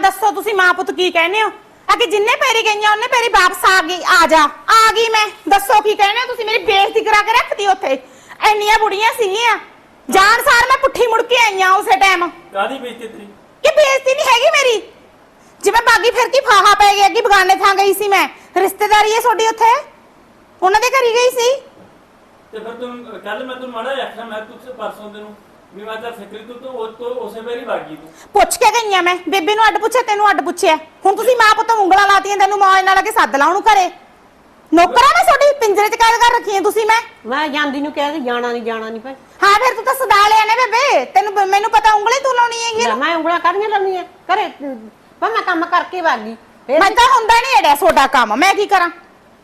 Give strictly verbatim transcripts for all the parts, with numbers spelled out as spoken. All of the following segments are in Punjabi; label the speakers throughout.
Speaker 1: दसो तुसी मां पुत की कहने हो आ कि जिन्ने पैरी गईयां उन्ने पैरी वापस आ गई आ जा आ गई मैं दसो की कहने हो तुसी मेरी बेइज्जती करा के रखती उत्थे ਇੰਨੀਆਂ बुढ़ियां सीगियां जान सार मैं पुट्ठी मुड़ के आई हां उसे टाइम
Speaker 2: ਕਾਦੀ ਬੇਇੱਜ਼ਤੀ ਤੇਰੀ
Speaker 1: कि बेइज्जती नहीं हैगी मेरी जिवें बागी फिर की फाहा पै गया कि बगाने थां गई सी मैं रिश्तेदारी है ਤੁਹਾਡੀ ਉੱਥੇ ਉਹਨਾਂ ਦੇ ਘਰ ਹੀ ਗਈ ਸੀ
Speaker 2: ਤੇ ਫਿਰ ਤੂੰ ਕੱਲ ਮੈਂ ਤੈਨੂੰ ਮਾੜਾ ਆਖਿਆ ਮੈਂ ਤੂੰ ਪਰਸੋਂ ਤੈਨੂੰ ਵੀ ਮੈਂ ਤਾਂ ਫਿਕਰੀ ਤੂੰ ਤੋਂ ਉਹ ਤੋਂ ਉਸੇ ਵੇਰੀ ਬਾਗੀ ਤੂੰ
Speaker 1: ਪੁੱਛ ਕੇ ਗਈਆਂ ਮੈਂ ਬੇਬੇ ਨੂੰ ਅੱਡ ਪੁੱਛਿਆ ਤੈਨੂੰ ਅੱਡ ਪੁੱਛਿਆ ਹੁਣ ਤੁਸੀਂ ਮਾਂ ਪੁੱਤ ਉਂਗਲਾਂ ਲਾਤੀਆਂ ਤੈਨੂੰ ਮਾਂ ਨਾਲ ਕੇ ਸੱਦ ਲਾ ਉਹਨੂੰ ਘਰੇ ਨੌਕਰਾਂ ਮੈਂ ਤੁਹਾਡੀ ਪਿੰਜਰੇ 'ਚ ਕੈਦ ਕਰ ਰੱਖੀ ਹੈ ਤੁਸੀਂ ਮੈਂ
Speaker 3: ਮੈਂ ਜਾਂਦੀ ਨੂੰ ਕਹਿ ਜਾਣਾ ਨਹੀਂ ਜਾਣਾ ਨਹੀਂ ਭਾਈ
Speaker 1: ਹਾਂ ਫਿਰ ਤੂੰ ਤਾਂ ਸਦਾ ਲਿਆ ਨੇ ਬੇਬੇ ਤੈਨੂੰ ਮੈਨੂੰ ਪਤਾ ਉਂਗਲੀ ਤੂੰ ਲਾਉਣੀ ਹੈਗੀ
Speaker 3: ਲੈ ਮੈਂ ਉਂਗਲਾਂ ਕਰਨੀਆਂ ਲਾਉਣੀਆਂ ਘਰੇ ਪਰ ਮੈਂ ਕੰਮ ਕਰਕੇ ਵਾਗੀ
Speaker 1: ਮੈਂ ਤਾਂ ਹੁੰਦਾ ਨਹੀਂ ਐਡਾ ਤੁਹਾਡਾ ਕੰਮ ਮੈਂ ਕੀ ਕਰਾਂ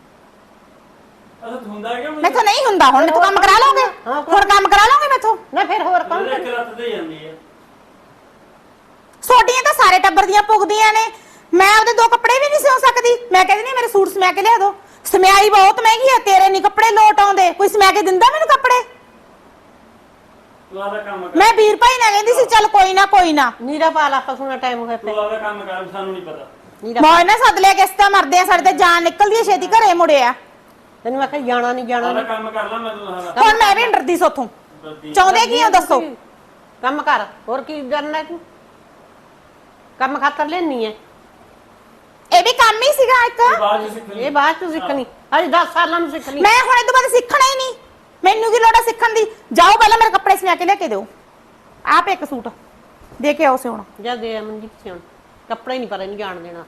Speaker 2: ਅਸਾਂ ਹੁੰਦਾ ਹੈ ਕਿ
Speaker 1: ਮੈਥੋਂ ਨਹੀਂ ਹੁੰਦਾ ਹੁਣ ਮੈਥੋਂ ਕੰਮ ਕਰਾ ਲਓਗੇ ਹੋਰ ਕੰਮ ਕਰਾ ਲਓਗੇ ਮੈਥੋਂ
Speaker 3: ਨਾ ਫਿਰ ਹੋਰ ਕੌਣ
Speaker 2: ਇੱਕ ਰਾਤ ਤੇ ਜਾਂਦੀ ਹੈ
Speaker 1: ਛੋਟੀਆਂ ਤਾਂ ਸਾਰੇ ਟੱਬਰ ਦੀਆਂ ਪੁੱਗਦੀਆਂ ਨੇ ਮੈਂ ਉਹਦੇ ਦੋ ਕੱਪੜੇ ਵੀ ਨਹੀਂ ਸਿਉਂ ਸਕਦੀ ਮੈਂ ਕਹਿੰਦੀ ਨਹੀਂ ਮੇਰੇ ਸੂਟ ਸਮਿਆ ਕੇ ਲਿਆ ਦੋ ਸਮਿਆਈ ਬਹੁਤ ਮਹਿੰਗੀ ਆ ਤੇਰੇ ਨਹੀਂ ਕੱਪੜੇ ਲੋਟ ਆਉਂਦੇ ਕੋਈ ਸਮਿਆ ਕੇ ਦਿੰਦਾ ਮੈਨੂੰ ਕੱਪੜੇ
Speaker 2: ਤੂੰ ਆਦਾ ਕੰਮ ਕਰ
Speaker 1: ਮੈਂ ਵੀਰ ਭਾਈ ਨਾਲ ਕਹਿੰਦੀ ਸੀ ਚੱਲ ਕੋਈ ਨਾ ਕੋਈ ਨਾ
Speaker 3: ਨੀਰਾ ਪਾ ਲਾ ਪਸੂਣਾ ਟਾਈਮ ਹੋਇਆ
Speaker 2: ਤੂੰ ਆਦਾ ਕੰਮ ਕਰ ਸਾਨੂੰ ਨਹੀਂ ਪਤਾ
Speaker 3: ਨੀਰਾ
Speaker 1: ਮੌਜ ਨਾਲ ਸੱਦ ਲਿਆ ਕਿਸ ਤਾਂ ਮਰਦੇ ਆ ਸਾਡੇ ਤੇ ਜਾਨ ਨਿਕਲਦੀ ਆ ਛੇਤੀ ਘਰੇ ਮੁੜਿਆ
Speaker 3: ਤੈਨੂੰ ਮੈਂ ਕਿਹਾ ਜਾਣਾ ਨਹੀਂ ਜਾਣਾ
Speaker 2: ਆਦਾ
Speaker 3: ਨੀ।
Speaker 2: ਕੰਮ ਕਰ ਲੈ ਮੈਂ ਤੈਨੂੰ ਦੱਸਦਾ
Speaker 1: ਹੁਣ ਮੈਂ ਵੀ ਨੀ ਡਰਦੀ ਸੋਥੋਂ ਚਾਹੁੰਦੇ ਕੀ ਹੋ ਦੱਸੋ
Speaker 3: ਕੰਮ ਕਰ ਹੋਰ ਕੀ ਕਰਨਾ ਤੂੰ ਕੰਮ ਖਾਤਰ ਲੈਣੀ ਹੈ
Speaker 1: ਇਹ ਵੀ ਕੰਮ ਹੀ ਸੀਗਾ ਇੱਕ
Speaker 2: ਬਾਅਦ ਚ ਸਿੱਖ ਲਈ
Speaker 3: ਇਹ ਬਾਅਦ ਚ ਸਿੱਖਣੀ ਅਜੇ ਦਸ ਸਾਲਾਂ ਨੂੰ ਸਿੱਖ ਲਈ
Speaker 1: ਮੈਂ ਹੁਣ ਇਹ ਤੋਂ ਬਾਅਦ ਸਿੱਖਣਾ ਹੀ ਨਹੀਂ ਮੈਨੂੰ ਕੀ ਲੋੜ ਆ ਸਿੱਖਣ ਦੀ ਜਾਓ ਪਹਿਲਾਂ ਮੇਰੇ ਕੱਪੜੇ ਸਮਿਆ ਕੇ ਲਿਆ ਕੇ ਦਿਓ ਆਪ ਇੱਕ ਸੂਟ ਦੇ ਕੇ ਆਓ ਸਿਉਣਾ
Speaker 3: ਜਾ ਦੇ ਮਨਜੀਤ ਸਿਉਣ ਕੱਪੜੇ ਨਹੀਂ ਪਰ ਇਹਨੂੰ ਜਾਣ ਦੇਣਾ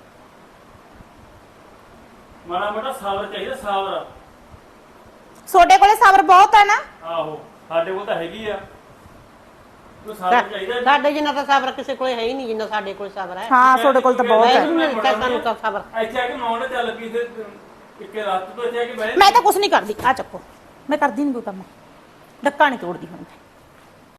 Speaker 2: ਮਾੜਾ ਮੋਟਾ ਸਾਬਰ ਚਾਹੀਦਾ ਸਾਬਰ
Speaker 1: ਤੁਹਾਡੇ ਕੋਲੇ ਸਬਰ ਬਹੁਤ ਹੈ ਨਾ
Speaker 2: ਆਹੋ ਸਾਡੇ ਕੋਲ ਤਾਂ ਹੈਗੀ ਆ ਤੂੰ ਸਾਬਰ ਚਾਹੀਦਾ
Speaker 3: ਸਾਡੇ ਜਿੰਨਾ ਤਾਂ ਸਬਰ ਕਿਸੇ ਕੋਲੇ ਹੈ ਹੀ ਨਹੀਂ ਜਿੰਨਾ ਸਾਡੇ ਕੋਲ ਸਬਰ ਹੈ
Speaker 1: ਹਾਂ ਤੁਹਾਡੇ ਕੋਲ ਤਾਂ ਬਹੁਤ ਹੈ
Speaker 3: ਵਾਹਿਗੁਰੂ ਨੇ ਦਿੱਤਾ ਸਾਨੂੰ ਤਾਂ ਸਬਰ
Speaker 2: ਇੱਥੇ ਆ ਕੇ ਨੌਣ ਚੱਲ ਪਈ ਤੇ ਇੱਕ ਰਾਤ ਤੋਂ ਇੱਥੇ ਆ ਕੇ ਬਹਿ
Speaker 1: ਮੈਂ ਤਾਂ ਕੁਝ ਨਹੀਂ ਕਰਦੀ ਆ ਚੱਕੋ ਮੈਂ ਕਰਦੀ ਨਹੀਂ ਕੋਈ ਕੰਮ ਡੱਕਾ ਨਹੀਂ ਤੋੜਦੀ ਹੁਣ